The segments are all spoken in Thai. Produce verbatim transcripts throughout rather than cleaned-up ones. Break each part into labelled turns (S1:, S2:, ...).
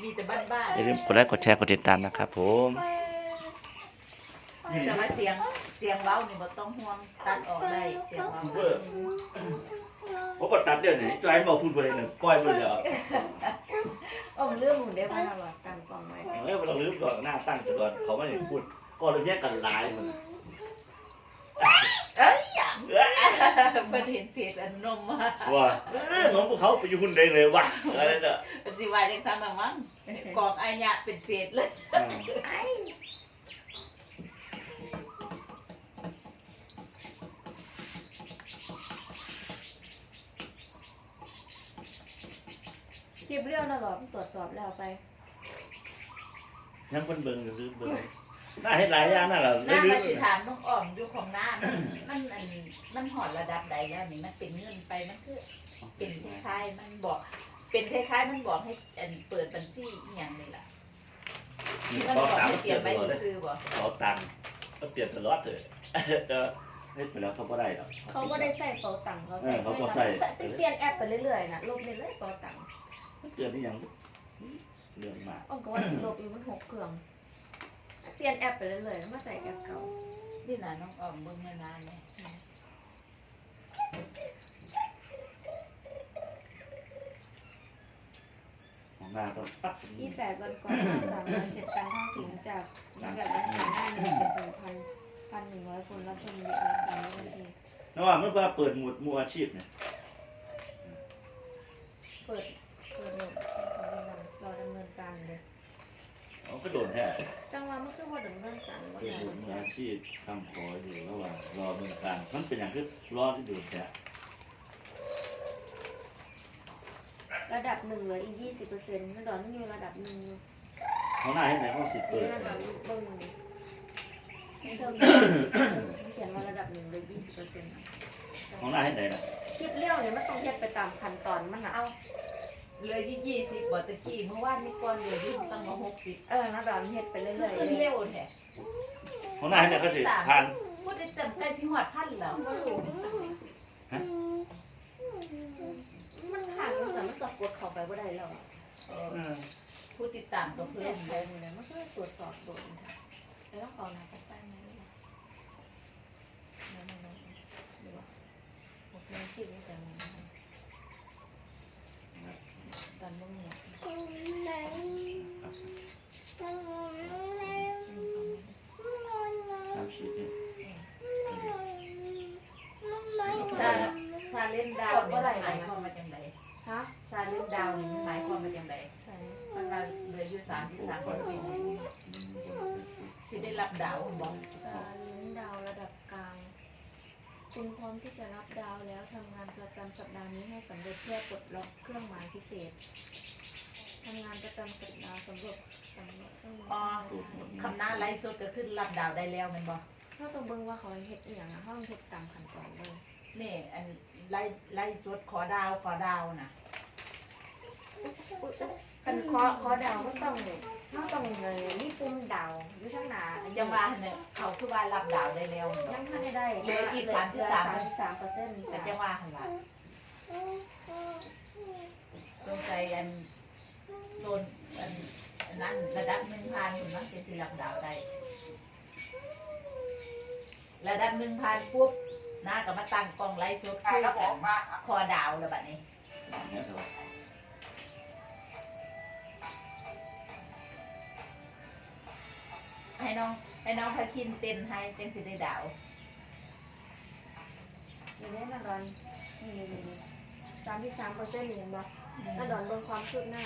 S1: มีแต่บ้านๆ
S2: อย่าลืมกดไลค์กดแชร์กดติดตามนะครับผม
S1: แต่ว่าเสียงเสียงเว้านี่บ่ต้องห่วงตัดออกได้เสียงเว้า
S2: ผมก็ตัดเดี๋ยวนี้จอยบอกพูดไปเลยหนึ่งก้อยไปเลยอ่ะ
S1: อ้อมเรื่องหมู่ได้มาตลอดการกองไว้
S2: เออเราลืมก่อนหน้าตั้งก่อนเขาไม่ได้พูดก็เลยแยกกันหลายมัน
S1: เอ้ยอย่างเพิ่นเห็นเศษอันนมมา
S2: ว่าน้องพวกเขาไปอยู่หุ่นเองเลยว่ะอะไรเนี่ย
S1: สิว่าจังซั่นน่ะมั้งกองอายะเป็นเศษเลยเก็บเรื่องตลอดตรวจสอบแล้วไป
S2: ยังคนเบิ่งอยู่ลืมเบิ่งน่าเห็นหลายอย่างน่าเรา
S1: หน้า
S2: ลื
S1: มาม สิถามน้องอ้อมอยู่ของหน้ามันอันมันหอดระดับใดแล้วนี่มันเป็นเงินไปมันคือเป็นคล้ายๆมันบอกเป็นคล้ายๆมันบอกให้อันเปิดบัญชีอีหยังนี่ล่ะมัน
S2: ข
S1: บ
S2: อ
S1: อก
S2: ตัง
S1: ให้
S2: ค์
S1: เต
S2: เป
S1: รี
S2: ลี่
S1: ย
S2: ย
S1: ม
S2: นต
S1: ไว้
S2: ลอดเลย
S1: ซื้อบ่
S2: ขอตังค์ก็เปลี่ยนตลอดเลยเออให้ไปแล้วเขาก็ได้หรอก
S3: เขาก็ได้ใส่เป๋าตังค์เขา
S2: เออเขาก็ใส่
S3: เป็นเปลี่ยนแอปไปเรื่อยๆนะลบเรื่อยๆเป๋าตังค์
S2: เตือนนี่ยังเรื่องมาก
S3: อ้อมก็ว่าสิลบอยู่มันหกเครื่องเปลี่ยนแอปไปเรื่อยๆแล้วมาใส่แอปเก่า
S1: นี่น่ะน้องอ้อมเบิ่งมานานแล้ว
S2: ของหน้าต้องปั๊บ
S3: ยี่แปดวันก่อนสามวันเจ็ดการเข้าถึงจากแบบนั้นหน้าหนึ่งเป็นหนึ่งพันพันหนึ่งร้อยคนรับชมวิดีโอสามนาที
S2: นะว่ามันก็เปิดหมวดมืออาชีพเนี่ย
S3: เปิดเปิดหมดรอดำเนินการเลย
S2: เขาก็โดนแท้
S3: จังหวะมันคือว่าดำเนินการว่า
S2: เปิด
S3: งาน
S2: หมวดมืออาชีพทำขออยู่ระหว่างรอเมืองการมันเป็นอย่างที่รอที่โดนแท้
S3: ระดับหนึ่งเหลืออีกยี่สิบเปอร์เซ็นต์ไม่ดอนมันอยู่ระดับหนึ่ง
S2: เขาหน้าให้ไหนเขาสิเปิด
S3: นี่ระดับเบิ้งเทิมเขียนว่าระดับหนึ่งเหลือยี่สิบเปอร์เซ็นต์
S2: ของหน้าให้ไหนนะ
S3: คลิปเลี้ยวเนี่ยมันต้องเฮ็ดไปตามขั้นตอนมันนะ
S1: เอาเลยที่ยี่สิบบ่ตะกี้เมื่อวานมีก่อนเลยที่ตั้งมาหกสิบ
S3: เออนะดอนเฮ็ดไปเรื่อยๆ
S1: ขึ้นเร็วแท้
S2: ของหน้าให้ไหนเขาสิผ่าน
S1: พูดได้จำได้สิฮอดพันแล้วบ่รู้
S3: มันขาดมันสามารถตกกดเข้าไปบ่ได้แล้ว
S1: เออผู้ติดตามก็
S3: เพื่
S1: เพิ่
S3: อ
S1: ม
S3: นไปหมดเลยมันก็ตรวจสอบโดนค่ะแล้วต้องขอหน้าจากใต้ไหมล่ะนั่นๆๆดูว่าพวกนี้ชื่อนี่จะมีตอนบ่มี
S2: สามสิบเนี่ย
S1: ชาชาเล่นดาวนี่หมายความว่าจังได
S3: ฮะ
S1: ชาเล่นดาวนี่หมายความว่าจังได
S3: ใช่
S1: มันว่าเหลืออยู่สามสิบสามเปอร์เซ็นต์ที่ได้รับดาวบ่
S3: การเลี้ยงดาวระดับกลาง คุณพร้อมที่จะรับดาวแล้วทำงานประจำสัปดาห์นี้ให้สำเร็จเพื่อปลดล็อกเครื่องหมายพิเศษทำงานประจำสัปดาห์สำหรับสำหรับเครื่องหมาย
S1: อ๋อคำหน้าไลฟ์สดก็ขึ้นรับดาวได้แล้วแม่นบ่
S3: ถ้าต้องเบิ่งว่าเขาเฮ็ดอีหยังอะเขาต้องเฮ็ดตามขั้นตอนเลย
S1: นี่อันไลฟ์ไลฟ์สดขอดาวขอดาวน่ะ
S3: เป็นคอคอดาวก็ต้องเขาต้องเลยนี่ปุ่มดาวอยู่ข้างหน้า
S1: จังว่าเนี่ยเขาคือว่ารับดาวได้แล้ว
S3: ยังไม่ได้ได้
S1: เหลืออีกสามสิบสาม
S3: สามเปอร์เซ็นต์
S1: แต่จังว่าหั่นล่ะสงสัยอันโดนอันอันนั้นระดับหนึ่งพันมันจะสิรับดาวได้ระดับหนึ่งพันปุ๊บน้าก็มาตั้งกล้องไลฟ์สดคุยกันคอดาวแล้วบัดนี้
S2: เนี่ยสบาย
S1: ให้น้องให้น้องพาคินเต้นให้จังสิได้ดาว
S3: อย่างนี้นะดอนนี่นี่นี่สามสิบสามเปอร์เซ็นต์เห็นบ่ถ้าดอนเบิ่งความคืบหน้า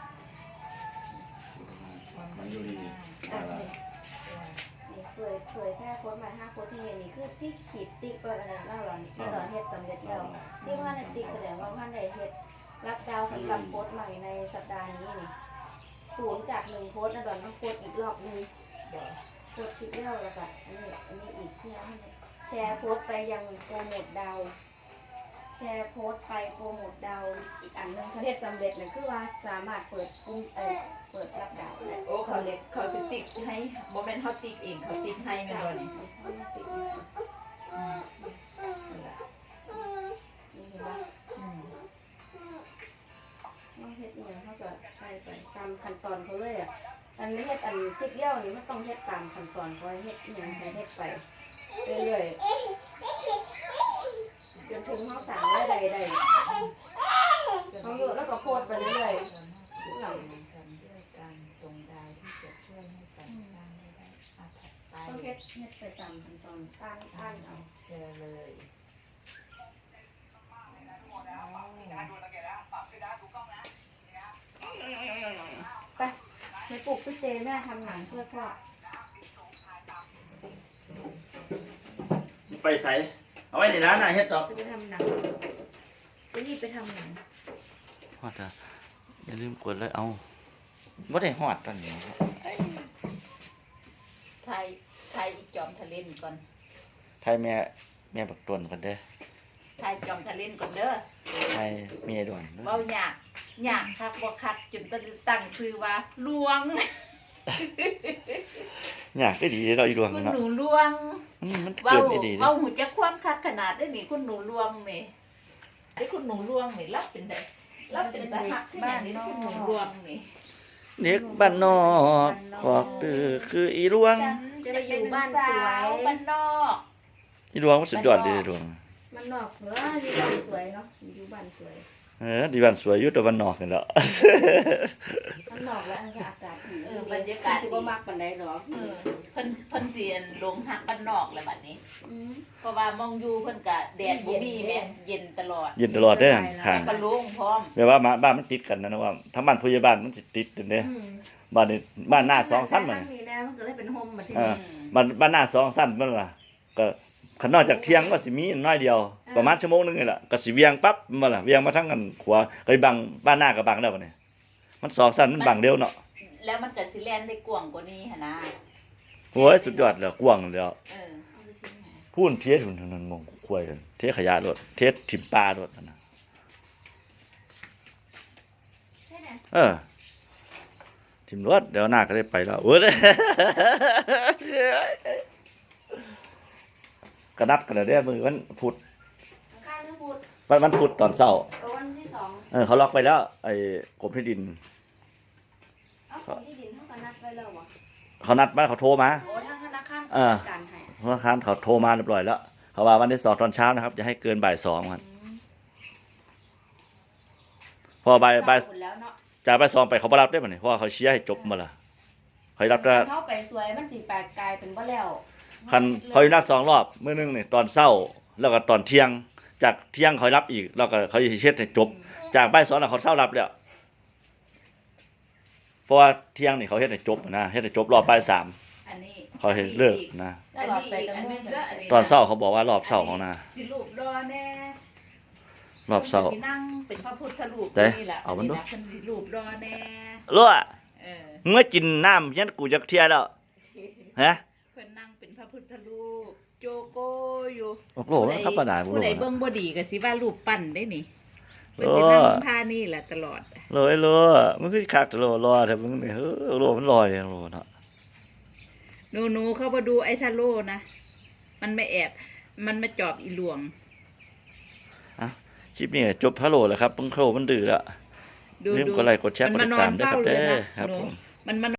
S2: มันอยู่ดี
S3: อ่ะนี่นี่เผยเผยแค่โค้ดใหม่ห้าโค้ดที่เห็นนี่คือที่ขีดติ๊กไว้อันนั้นแล้วดอนที่ดอนเฮ็ดสำเร็จแล้วที่ว่าในติ๊กแสดงว่าท่านได้เฮ็ดรับดาวสำหรับโค้ดใหม่ในสัปดาห์นี้นี่ศูนย์จากหนึ่งโค้ดนะดอนต้องโค้ดอีกรอบนึง
S1: เดี๋ยว
S3: โพสต์คลิปแล้วแล้วก็อันนี้อันนี้อีกที่ให้แชร์โพสต์ไปยังโปรโมทดาวแชร์โพสต์ไปโปรโมทดาวอีกอันหนึงเขาเรียกสำเร็จเลยคือว่าสามารถเปิดกุ้งเออเปิดรับดาวได้
S1: โอ้เขาเล็กเขาสิติ๊กให้บ่แม่นเฮาติ๊กเองเขาติ๊กให้แม่นบ่นี่อืมนั่นล่ะ
S3: นี่เห็นปะ
S1: อืม
S3: น้องเฮ็ดอเนี่ยเขาก็ใส่ไปตามขั้นตอนเขาเลยอ่ะอันนี้เฮ็ดอันพริกเลี้ยวนี่มันต้องเฮ็ดตามขั้นตอนเขาเฮ็ดอหย่างไรเฮ็ดไปเรื่อยๆจนถึงเขาสั่งได้ใดใดเขาอยู่แล้วก็โพดไปเรื่อยๆหลัง
S1: ฉันด้วยการทรงดาวที่จะช่วยให้ฉันสร้างได้ได้อาถัดไป
S3: ต้องเฮ็ดเฮ็ดไปตามขั้นตอนตั้งตั้งเอา
S1: เชื่อเลย
S3: ไปไปปลูกพี่เจแม่ทำหนังเพื่อพ่อ
S2: ไปใส่เอาไว้ในร้านน่ะเฮ็ดดอก
S3: จะไปทำหนังจะรีบไปทำหนัง
S2: ฮอดอ่ะอย่าลืมกดเลยเอาบ่ได้ฮอดตอนนี้
S1: ไทยไทยอีกจอมทะเลนก่อน
S2: ไทยแม่แม่บักตวนกันเด้อ
S1: ไทยจอมทะเลนก่อนเด้อ
S2: ไทยเมียด่วนเด้อ
S1: เว้าหยากหยากคักบ่คักจนต้องตั้งชื่อว่าลวง
S2: อยากได้ดีเราอีดวง
S1: คุณ
S2: เนาะ
S1: หนูลวง
S2: มันมัน
S1: เว้า
S2: เกิดได้ดีเด้
S1: เว้าหูจักความคักขนาดได้นี่คุณหนูลวงนี่ไอ้คุณหนูลวงนี่รับเป็นได้รับเป็นตาหักที่อย่างนี้คุณหนูลวงนี่
S2: เด็กบ้านนอกขอบตื้อคืออีดวง
S1: ฉันจะไปอยู่บ้านสวยบ้านนอก
S2: อีดวงมันสุดยอดดีดวง
S3: มันนอกเหรออยู่บ้านสวยเนาะอยู่บ้านสวย
S2: เออดีบ้านสวยอยู่แต่บ้านนอกนี่แหละ
S3: มันนอกแล้วอากาศดี
S1: เออบรรยากาศ
S3: สิ
S1: ดี
S3: บ่มักปานใดหรอก
S1: เออเพิ่นเพิ่นเสียนลงหักบ้านนอกเลยบัดนี้
S3: ม
S1: เพราะว่ามองอยู่เพิ่นก็แดดบ่มีแม่เย็นตลอด
S2: เย็นตลอดเด้อห่าง
S1: ก็โล่งพร้อม
S2: แปลว่ามาบ้านมันติดกันนะนะว่าทั้งบ้านผู้ใหญ่บ้านมันสิติดกันเด้
S3: อืม
S2: บ้านนี้บ้านหน้าสองสั้น
S3: มั
S2: มัน น
S3: มีแน่มันก็เลยเป็นโฮมมาที่
S2: เอ
S3: นี่
S2: อ บ้านบ้านหน้าสองสั้นมันล่ะก็ขนอกจากเที่ยงก็สิมีน้อยเดียว ประมาณชั่วโมงนึงนี่แหละก็สิเวียงปั๊บมาล่ะเวียงมาทั้งกันขวาก็บังบ้านหน้าก็บังแล้วบัดนี้มันสองสั้นมันบังเดียวเนาะ
S1: แล้วมันก็สิแล่นได้กว้างกว่านี้หั่นนะ
S2: โอ้ยสุดยอดแล้วกว้างแล้ว
S1: เออ
S3: เอาไปทิ้งไหน
S2: พูนเทสหุ่นนั่นมองควยกันเทขยะรถเทสถิ่มปลารถนั่นน่ะ
S3: ใช่ไหม
S2: เออถิ่มรถเดี๋ยวหน้าก็ได้ไปแล้วโอ้ย กระนัดกันแล้วเด้อมือวันพุธ
S3: ข้างนึงพูด
S2: วันวันพุธตอนเช้า
S3: ตัววันที่สอง
S2: เออเขาล็อกไปแล้วไอ้กรมที่ดิน
S3: เอ้าของที่ดินเท่ากันนัดไว้แล้วเหรอ
S2: เขานัดมาเขาโทรมา
S3: โอ้ทางธนาคาร
S2: เออ
S3: จัดการให้
S2: ธนาคารเขาโทรมาเรียบร้อยแล้วเขาว่าวันที่สองตอนเช้านะครับจะให้เกินบ่ายสองครับ
S3: อืม
S2: พอบ่ายบ่าย
S3: เศร้หมดแล้วเนาะ
S2: จากบ่ายสองไปเขาบ่รับได้ป่ะเนี่ยเพราะว่าเขาเชียร์ให้จบมาละเขารับได้
S3: เข้าไปสวยมันสิแปลกกลายเป็นว่าแล้ว
S2: คันเขานัดสองรอบมื้อนึงนี่ตอนเช้าแล้วก็ตอนเที่ยง จากเที่ยงเขารับอีกแล้วก็เขาสิเฮ็ดให้จบ จากบ่ายสองน่ะเขาเช้ารับแล้วเพราะว่าเที่ยงนี่เขาเฮ็ดให้จบนะเฮ็ดให้จบรอบบ่ายสาม
S1: อันนี้
S2: เขาเฮ็ดเลิกนะ
S3: ตลอดไปแต่
S1: อัน
S3: เมื่
S1: นี้
S3: อ
S1: ก็อันนี้
S2: ตอนเช้าเขาบอกว่ารอบเช้าของนา
S1: สิรูปรอแน่
S2: รอบเช้า
S1: พิ่นสินั่งเป็นพระพุทธรูป
S2: เด้
S1: นี่แหละ
S2: เอามันดู
S1: เพิ่นสิรูปรอแน่
S2: รั่ว
S1: เออ
S2: มึงมากินน้ำยันกูจักเที่ยแล้วฮะ
S1: เพิ่นนั่งเป็นพระพุทธรูปโจโกอยู่
S2: โอ้โหมันธรรมดาบ่
S1: ผู้
S2: รู้
S1: ใด
S2: นะ
S1: เบิ่งบ่ดีก็สิว่ารูปปั้นได้นี่เพิ่น
S2: เออ
S1: สินั่งท่านี่แหละตลอด
S2: โลยโลมันคือคักโลรอแต่มึงนี่เฮ้อโลมันลอยโลเนาะ
S1: หนูหนูเข้ามาดูไอ้ชาโลนะ มันไม่แอบ มันมาจอบอีหลวง
S2: คลิปนี้จบฮัลโหลแล้วครับเพิ่งโครมันดื้อแล้ว
S1: ดู
S2: ลืม
S1: ดู
S2: กดไลค์กดแชร์กดติดตามด้วยครับเด้อครับ
S1: หนู
S2: ผม
S1: มันมัน